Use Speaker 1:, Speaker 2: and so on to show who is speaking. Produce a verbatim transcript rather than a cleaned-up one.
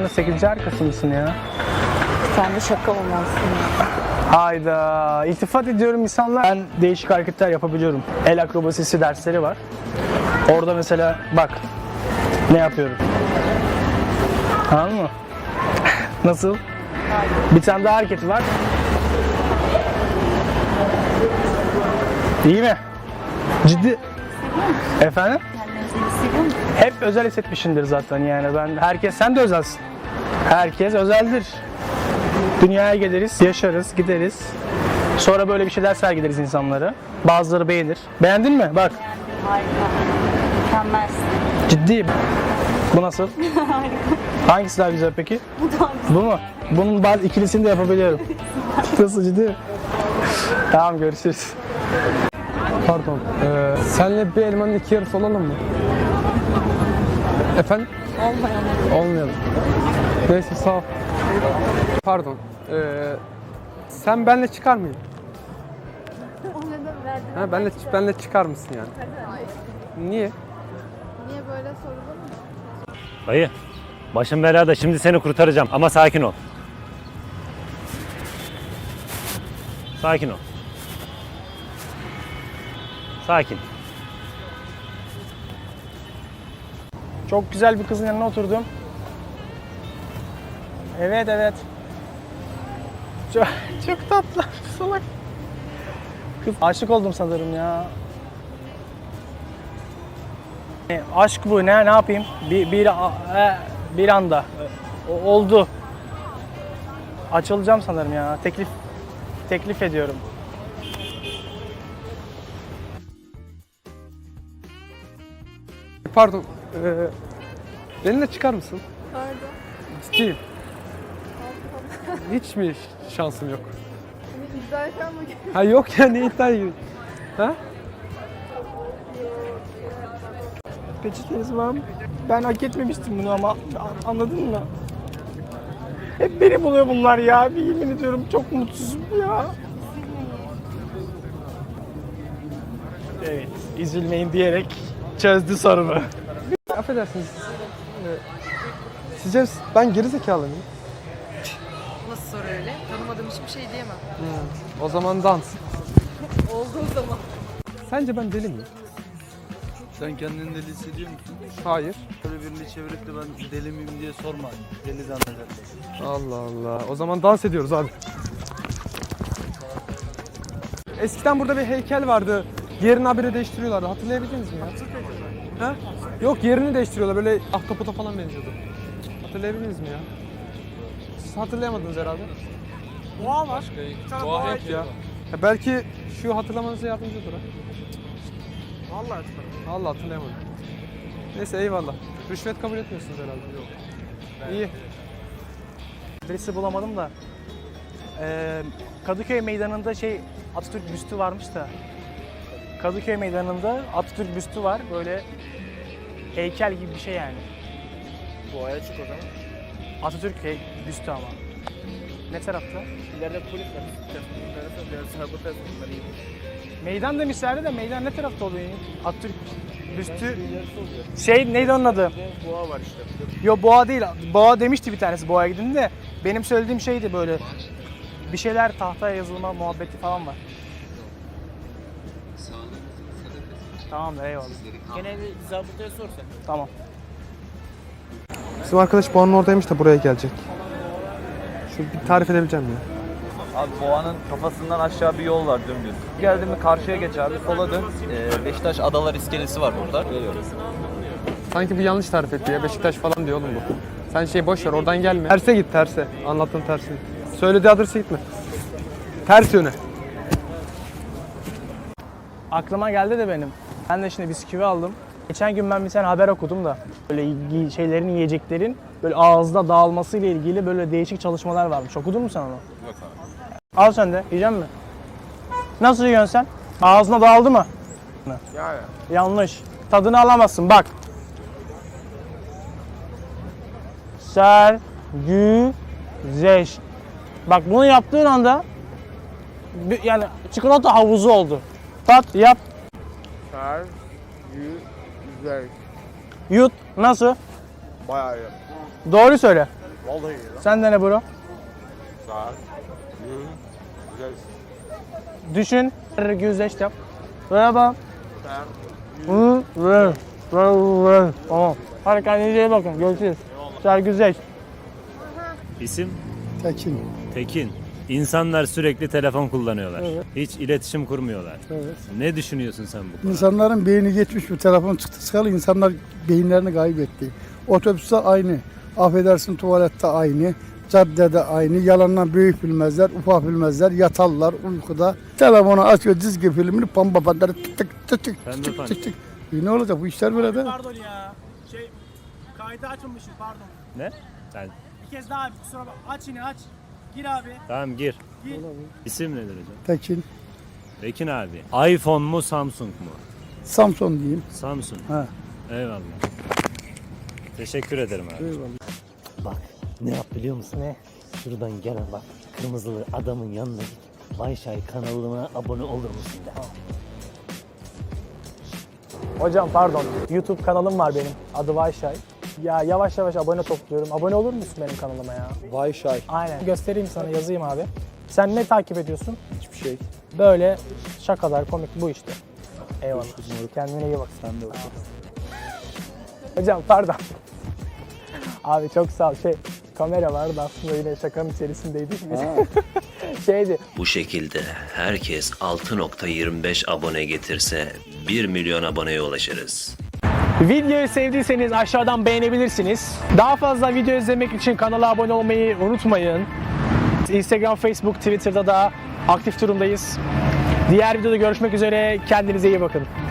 Speaker 1: Dünyanın sekizinci arkası mısın ya?
Speaker 2: Sen de şaka olmazsın ya.
Speaker 1: Hayda. İltifat ediyorum insanlar. Ben değişik hareketler yapabiliyorum. El akrobasisi dersleri var. Orada mesela bak ne yapıyorum. Anladın mı? Nasıl? Bir tane daha hareketi var. İyi mi? Ciddi. Efendim? Hep özel hissetmişindir zaten yani. Ben herkes, sen de özelsin. Herkes özeldir. Dünyaya geliriz, yaşarız, gideriz. Sonra böyle bir şeyler sergileriz insanlara. Bazıları beğenir. Beğendin mi? Bak.
Speaker 2: Harika. Mükemmelsin.
Speaker 1: Ciddiyim. Bu nasıl?
Speaker 2: Harika.
Speaker 1: Hangisi daha güzel peki?
Speaker 2: Bu da
Speaker 1: Bu mu? Bunun bazı ikilisini de yapabiliyorum. Nasıl, ciddi mi? Tamam, görüşürüz.
Speaker 3: Pardon. Ee, senle bir elmanın iki yarısı olalım mı? Efendim?
Speaker 2: olmayan.
Speaker 3: Olmayalım. Neyse, sağ ol. Pardon. Ee, sen benle çıkar mıydın? Ha, benle, benle çıkar mısın yani? Niye?
Speaker 4: Niye böyle sorulur mu?
Speaker 5: Dayı, başım belada, şimdi seni kurtaracağım ama sakin ol. Sakin ol. Sakin.
Speaker 1: Çok güzel bir kızın yanına oturdum. Evet evet. Çok, çok tatlı. Salak. Kız, aşık oldum sanırım ya. E, aşk bu, ne ne yapayım? Bir bir e, bir anda O- oldu. Açılacağım sanırım ya. Teklif teklif ediyorum.
Speaker 3: Pardon. Ee, benimle çıkar mısın?
Speaker 4: Pardon.
Speaker 3: Ciddiyim. Hiç mi şansım yok?
Speaker 4: Seni iddia eden mi?
Speaker 3: Ha yok ya, ne iddia gibi. Ha?
Speaker 1: Peçeteniz var mı? Ben hak etmemiştim bunu ama anladın mı? Hep beni buluyor bunlar ya. Bir yemin ediyorum çok mutsuzum ya. Evet, üzülmeyin diyerek çözdü sorumu.
Speaker 3: Affedersiniz. Ee, sizce ben gerizekalı mıyım?
Speaker 6: Nasıl soru öyle? Tanımadığım hiçbir şey diyemem.
Speaker 3: O zaman dans.
Speaker 6: Olduğu zaman.
Speaker 3: Sence ben deli miyim?
Speaker 7: Sen kendini deli hissediyor musun?
Speaker 3: Hayır.
Speaker 7: Böyle birini çevirip de ben deli miyim diye sorma. Deli zannederler.
Speaker 3: Allah Allah. O zaman dans ediyoruz abi. Eskiden burada bir heykel vardı. Yerini habire değiştiriyorlardı. Hatırlayabildiniz mi ya? Ha? Yok, yerini değiştiriyorlar. Böyle ahtapota falan benziyordu. Hatırlayabildiniz mi ya? Siz hatırlayamadınız herhalde.
Speaker 1: Boğa var.
Speaker 3: Boğa yok ya. Ya belki şu hatırlamanıza yardımcı olur ha.
Speaker 1: Vallahi hatırladım.
Speaker 3: Allah, hatırlayamadım. Neyse, eyvallah. Rüşvet kabul etmiyorsunuz herhalde. Yok. İyi.
Speaker 1: Adresi bulamadım da. Ee, Kadıköy Meydanı'nda şey Atatürk büstü varmış da. Kadıköy Meydanı'nda Atatürk büstü var. Böyle heykel gibi bir şey yani.
Speaker 7: Boğaya çık o zaman.
Speaker 1: Atatürk hey, büstü ama. Ne tarafta?
Speaker 7: İleride polis var. Biraz sabır bunları iyi.
Speaker 1: Meydan demişlerdi de meydan ne tarafta oluyor? Atatürk büstü. Şey neydi onun adı?
Speaker 7: Boğa var işte.
Speaker 1: Yo, boğa değil. Boğa demişti bir tanesi boğaya gidin de. Benim söylediğim şeydi böyle. Bir şeyler tahtaya yazılma muhabbeti falan var. Tamamdır, eyvallah.
Speaker 7: Gene bir zabıtaya sor sen.
Speaker 1: Tamam.
Speaker 3: Bizim arkadaş Boğa'nın oradaymış da buraya gelecek. Şu bir tarif edebileceğim ya.
Speaker 8: Abi Boğa'nın kafasından aşağı bir yol var dümdüz. Geldin mi karşıya geç abi, sola dön. Ee, Beşiktaş Adalar iskelesi var burada. Geliyoruz.
Speaker 3: Sanki bu yanlış tarif etti ya. Beşiktaş falan diyor oğlum bu. Sen şey boş ver, oradan gelme. Terse git, terse. Anlattığın tersine. Söylediği adrese gitme. Ters yöne.
Speaker 1: Aklıma geldi de benim. Ben de şimdi bisküvi aldım. Geçen gün ben bir tane haber okudum da böyle yi- şeylerin, yiyeceklerin böyle ağızda dağılması ile ilgili böyle değişik çalışmalar varmış. Okudun mu sen onu? Yok abi. Al sen de. Yiyecek misin? Nasıl yiyorsun sen? Ağzına dağıldı mı?
Speaker 7: Ya ya.
Speaker 1: Yanlış. Tadını alamazsın bak. Sergüzeş. Bak bunu yaptığın anda bir- yani çikolata havuzu oldu. Tat yap.
Speaker 7: Ser, yü, güzel.
Speaker 1: Yut. Nasıl?
Speaker 7: Bayağı iyi.
Speaker 1: Doğru söyle.
Speaker 9: Vallahi ya.
Speaker 1: Sen de ne bro?
Speaker 9: Saat. Güzel.
Speaker 1: Düşün. Güzleşti yap. Merhaba. Hı, ver. Ver, ver. Tamam. Hadi kendinize iyi bakın. Görüşürüz. Sergüzeş.
Speaker 5: İsim?
Speaker 10: Tekin.
Speaker 5: Tekin. İnsanlar sürekli telefon kullanıyorlar. Hiç iletişim kurmuyorlar.
Speaker 10: Evet.
Speaker 5: Ne düşünüyorsun sen bu konuda?
Speaker 10: İnsanların beyni geçmiş, bu telefon çıktı çıkalı insanlar beyinlerini kaybetti. Otobüste aynı, affedersin tuvalette aynı, caddede aynı, yalandan büyük bilmezler, ufak bilmezler, yatarlar uykuda. Telefonu açıyor, çizgi filmini, pamba patları tık tık tık tık
Speaker 5: Pembe
Speaker 10: tık
Speaker 5: pan.
Speaker 10: tık tık. E ne olacak bu işler böyle de?
Speaker 1: Pardon ya. Şey, kaydı açılmışız pardon.
Speaker 5: Ne? Sen.
Speaker 1: Bir kez daha abi kusura bak. Aç yine aç. Gir abi.
Speaker 5: Tamam gir.
Speaker 1: Gir.
Speaker 5: İsim nedir hocam?
Speaker 10: Tekin,
Speaker 5: Tekin abi. iPhone mu Samsung mu?
Speaker 10: Samson diyeyim.
Speaker 5: Samsung.
Speaker 10: Ha.
Speaker 5: Eyvallah. Teşekkür ederim abi.
Speaker 10: Eyvallah.
Speaker 11: Bak ne yap biliyor musun?
Speaker 1: Ne?
Speaker 11: Şuradan gel bak kırmızılı adamın yanına git. Vayşay kanalına abone olur musun de.
Speaker 1: Hocam pardon. YouTube kanalım var benim. Adı Vayşay. Ya yavaş yavaş abone topluyorum. Abone olur musun benim kanalıma ya?
Speaker 3: Vayşay.
Speaker 1: Aynen. Göstereyim sana, yazayım abi. Sen ne takip ediyorsun?
Speaker 3: Hiçbir şey.
Speaker 1: Böyle şakalar, komik bu işte. Eyvallah. Kendine iyi bak.
Speaker 3: Sen de bak.
Speaker 1: Hocam pardon. Abi çok sağ ol. Şey, kamera vardı aslında yine şakanın içerisindeydik biz. Şeydi.
Speaker 12: Bu şekilde herkes altı nokta yirmi beş abone getirse bir milyon aboneye ulaşırız.
Speaker 1: Videoyu sevdiyseniz aşağıdan beğenebilirsiniz. Daha fazla video izlemek için kanala abone olmayı unutmayın. Instagram, Facebook, Twitter'da da aktif durumdayız. Diğer videoda görüşmek üzere. Kendinize iyi bakın.